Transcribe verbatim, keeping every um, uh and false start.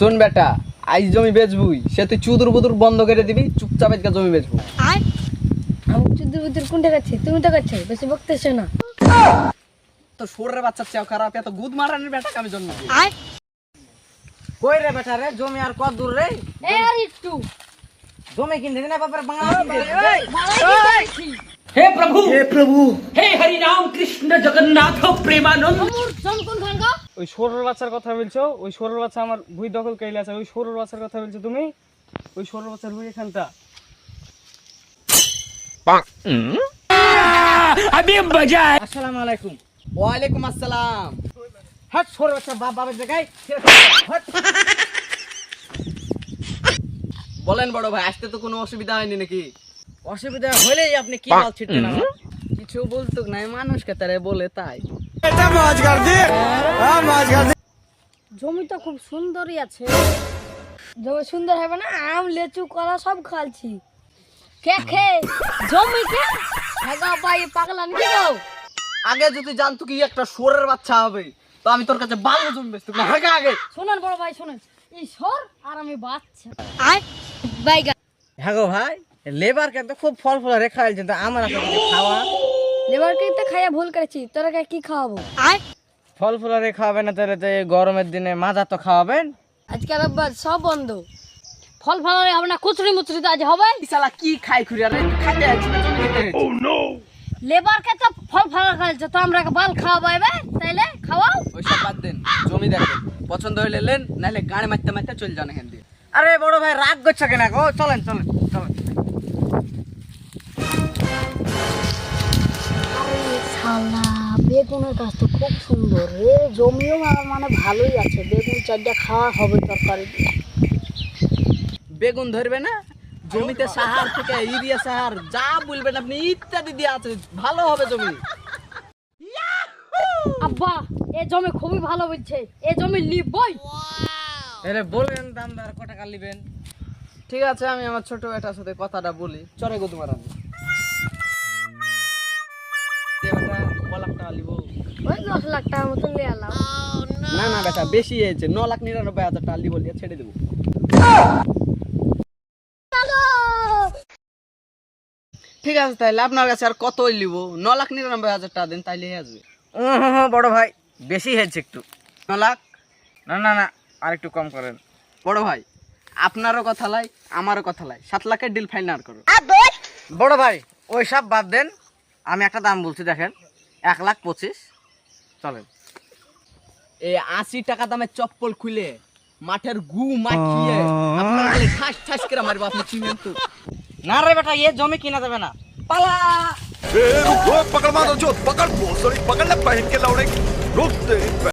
শোন বেটা, আইস জমি বেচবুই, সে তুই চুদুর বুদুর বন্ধ করে দিবি, চুপচাপ আজকে জমি বেচবো। আমি চুদুর বুদুর কোনটা করছি? তুমি তো করছো, বেশি বকতেছো না। তো সরের বাচ্চা চেও খারাপ, এত গুদ মারানির বেটাকে আমি জন্ম দিই। কই রে বেটা রে, জমি আর কত দূর রে? এই আর একটু জমি কিনতে না বাপের বাংলা কিনতে। हे प्रभु हे प्रभु हे हरि राम कृष्ण जगन्नाथ प्रेमानंद। মোর জম কোন খান গো? ওই সরুর বাচ্চার কথা বলছো? ওই সরুর বাচ্চা আমার ভুই দখল কইলে আছে। ওই সরুর বাচ্চার কথা বলছো তুমি? ওই সরুর বাচ্চার ভুই এখানটা। अभी मजा है। আসসালামু আলাইকুম। ওয়ালাইকুম আসসালাম। হট সর বাচ্চা বাপ বাপের জায়গায়। হট। বলেন বড় ভাই, আসতে তো কোনো অসুবিধা হয়নি নাকি? অসুবিধা হলেই আপনি কি মাল ছিটছেন আমার? কিছু বলতো নাই, মানুষকে তারে বলে তাই। জমি তো খুব সুন্দরই আছে। জমি সুন্দর হবে না? আম লেচু কলা সব খালছি। কে খে জমি কে হেগা ভাই পাগলা নাকি গো? আগে যদি জানতো কি একটা সরের বাচ্চা হবে, তো আমি তোর কাছে ভালো জমি বেচতাম না। আগে আগে শুনুন বড় ভাই শুনুন, এই সর আর আমি বাচ্চা আয় বাইগা হ্যাঁ গো ভাই, লেবার কে তো খুব ফল ফল রেখা আইছেন, তো আমার আছে কিছু খাওয়া। লেবারকে তো খাইয়া ভুল করেছি, তোরা কে কি খাওয়াবো? আয় ফল ফুল রে খাওয়াবেন না তাহলে তো এই গরমের দিনে মাজা তো খাওয়াবেন। আজকে রবিবার সব বন্ধ। ফল ফল হবে না, কুচড়ি মুচড়ি তো আজ হবে। এই শালা কি খাই খুরি, আরে খাইতে আছি না জমি খেতে আছি। লেবারকে তো ফল ফল খাইছে, তো আমরা বাল খাওয়াবো এবে, তাইলে খাওয়াও। ওই সব বাদ দেন, জমি দেখেন, পছন্দ হইলে লেন, নাহলে গাড়ি মারতে মারতে চলে যান এখান দিয়ে। আরে বড় ভাই রাগ করছে কেন গো? চলেন চলেন চলেন। আরে শালা, বেগুনের গাছ তো খুব সুন্দর রে, জমিও আমার মানে ভালোই আছে। বেগুন চারটা খাওয়া হবে তরকারি দিয়ে। বেগুন ধরবে না, জমিতে সাহার থেকে ইউরিয়া সাহার যা বলবেন আপনি ইত্যাদি দিয়ে আছে, ভালো হবে জমি। আব্বা এ জমি খুবই ভালো বলছে, এ জমি লিবই। এরে বলেন দামদার কত টাকা নেবেন? ঠিক আছে, আমি আমার ছোট বেটার সাথে কথাটা বলি, চরে গো তোমার আমি ক লাখ টাকা লিব। ওই দশ লাখ টাকার মতন নিয়ে এলাম। না না বেটা, বেশি হয়েছে, ন লাখ নিরানব্বই হাজার টাকা লিব, লিয়ে ছেড়ে দেবো। ঠিক আছে, তাইলে আপনার কাছে আর কতই লিব? ন লাখ নিরানব্বই হাজার টাকা দেন, তাইলে হয়ে আসবে। ও বড় ভাই বেশি হয়েছে একটু। ন লাখ? না না না, আর একটু কম করেন। বড় ভাই, আপনারও কথা লাই, আমারও কথা লাই, সাত লাখের ডিল ফাইনাল করো। বড় ভাই ওই সব বাদ দেন, আমি একটা দাম বলছি দেখেন, এক লাখ পঁচিশ। চলেন। এই আশি টাকা দামের চপ্পল খুলে মাঠের গু মাখিয়ে আপনার খালি ঠাস ঠাস করে মারবো, আপনি চিনেন তো? না রে বেটা, এ জমি কিনা যাবে না, পালা। ए, रुको पकड़ मारो जो पकड़ बहुत सारी पकड़ ले पहन के लौड़े रुक तेरी